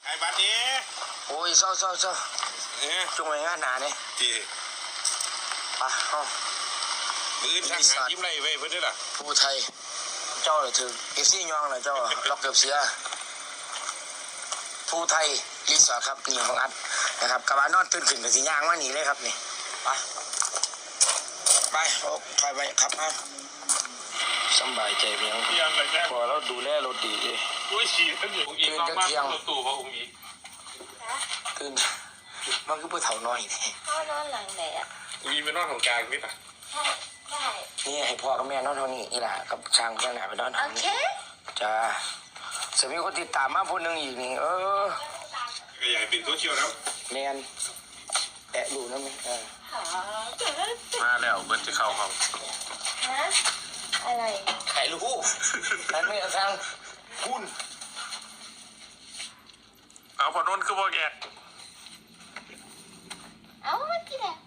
ไอ้บัดนี้โอ้ยเศร้าจงไว้งานหนาเนี่ยจีไปห้องมือทางหายิ้มไรไว้เพื่อนด้วยล่ะผู้ไทยเจ้าเลยถึงเอฟซียองเลยเจ้าล็อกเกือบเสียผู้ไทยรีสอร์ทครับนี่ของอัดนะครับกระบะนอนตื่นขึ้นกับสีย่างว่าหนีเลยครับนี่ไปถอยไปครับฮะสบายใจเพียงพอเราดูแลรถดีเลยอุ้ยฉี่ท่านอยู่องค์อีกมากรถตู้พระองค์อีกตื่นมันคือผู้เฒ่าน้อยนี่พ่อนอนหลังไหนอ่ะมีเป็นนอนของกลางไหมปะใช่ได้นี่ให้พ่อกับแม่นอนเท่านี้นี่แหละกับช่างข้างหน้าไปนอนเท่านี้จ้าจะมีคนติดตามมาคนหนึ่งอีกนี่ก็อยากเป็นตัวเชี่ยวนะแมนแตะดูนะมั้ยมาแล้วเบิร์ดจะเข้าเขาฮะอะไรไข่ลูกแต่ไม่ทางคุณเอาพอนนคือบ่แกเอาไม่กินอ่ะ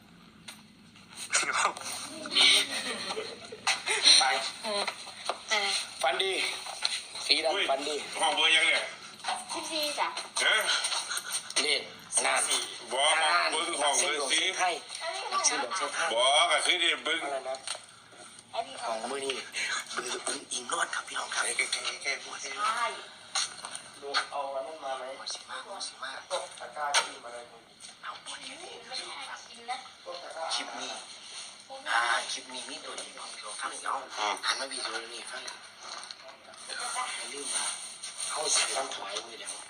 ไปฟันดีสีดำฟันดีห้องเบอร์ยังเนี่ย 14จ้ะเล่นนานบอกเบิ้งห้องเบอร์สีไทยชื่อหลวงเชฟไทยบอกก็คือที่เบิ้งของมือนี่เบอร์อิงนวดครับพี่น้องครับแก่พูดให้ดูเอาอันนั้นมาไหมสิมากตะกร้าที่มาเลยเอาหมดเลยคลิปนี้คลิปนี้มีตัวนี้ของพี่น้องฟังน้องหันมาวิดีโอนี้ฟังอย่าลืมมาเข้าเสียงลำถวายมือเดียว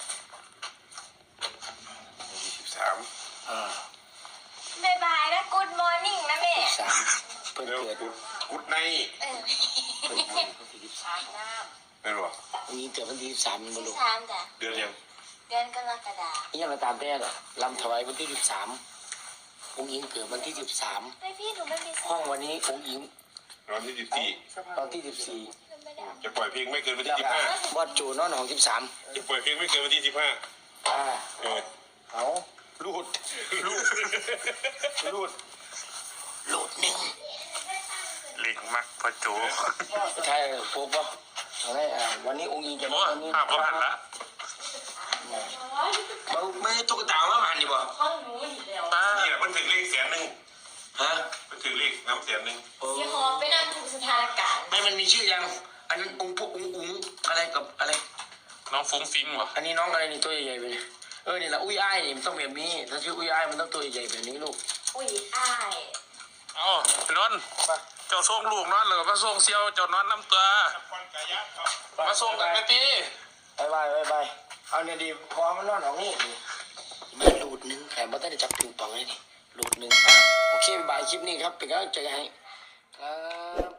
13 บ๊ายบายนะกู๊ดมอร์นิ่งนะแม่เพิ่นเกิดกุดในเพิ่นเกิดวันที่ 13ไม่รู้มีเกิดวันที่13มันบ่รู้ 13จ้ะเดือนยังเดือนกรกฎาคมยังมาตามแต่ล่ะลำถวายวันที่13องค์หญิงเกิดวันที่13 ไม่พี่หนูไม่มีห้องวันนี้องค์หญิงวันที่14 ตอนที่ 14จะปล่อยเพลงไม่เกินวันที่15 บอสโจนอนของ13 จะปล่อยเพลงไม่เกินวันที่15 เอาลูดหนึ่งเล็กมักพอโจใช่โป๊ะป่ะอะไรวันนี้องค์หญิงจะมาวันนี้ภาพก็หันละไม่ตุ๊กตามาหันดิบ่ห้องหนูอีกแล้วเนี่ยมันถึงเลข100,000 ฮะมันถึงเลขน้ำ100,000 ยี่ห้อไปนั่งทุกสถานการณ์ไม่มันมีชื่อยังอันนั้นองค์พวกองค์อะไรกับอะไรน้องฟุ้งฟิ้งวะอันนี้น้องอะไรนี่ตัวใหญ่ๆไปเลยนี่แหละอุ้ยอ้ายนี่มันต้องแบบนี้ถ้าชื่ออุ้ยอ้ายมันต้องตัวใหญ่แบบนี้ลูกอุ้ยอ้ายนอนเจ้าส่งลูกนอนเลยมาส่งเซียวเจ้านอนน้ำตัวมาส่งกันไปตีบายเอาเนี่ยดีพอมันนอนของนี่มีหลุดนึงแต่ไม่ได้จับปิงปองเลยนี่หลุดนึงโอเคบายคลิปนี้ครับเป็นกำลังใจให้ครับ